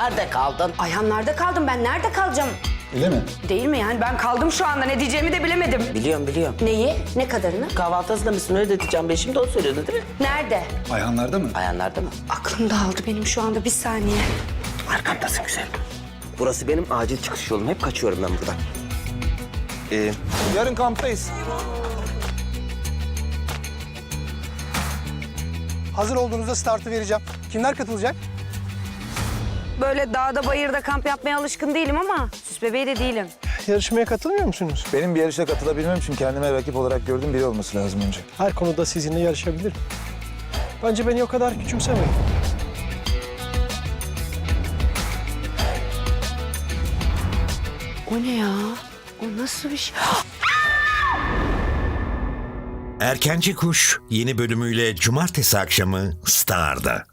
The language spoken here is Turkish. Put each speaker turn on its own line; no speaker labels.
Nerede kaldın?
Ayhanlarda kaldım ben. Nerede kalacağım?
Öyle mi?
Değil mi yani? Ben kaldım şu anda. Ne diyeceğimi de bilemedim.
Biliyorum.
Neyi? Ne kadarını?
Kahvaltı hazırlamışsın öyle diyeceğim. Ben şimdi o söylüyordu değil mi?
Nerede?
Ayhanlarda mı?
Ayağınlarda mı?
Aklım dağıldı benim şu anda. Bir saniye.
Arkamdasın güzel. Burası benim acil çıkış yolum. Hep kaçıyorum ben buradan.
Yarın kamptayız.
Hazır olduğunuzda startı vereceğim. Kimler katılacak?
Böyle dağda bayırda kamp yapmaya alışkın değilim ama süs bebeği de değilim.
Yarışmaya katılmıyor musunuz?
Benim bir yarışa katılabilmem için kendime rakip olarak gördüğüm biri olması lazım önce.
Her konuda sizinle yarışabilirim. Bence beni o kadar küçümsemeyin.
O ne ya? O nasıl bir şey?
Erkenci Kuş yeni bölümüyle cumartesi akşamı Star'da.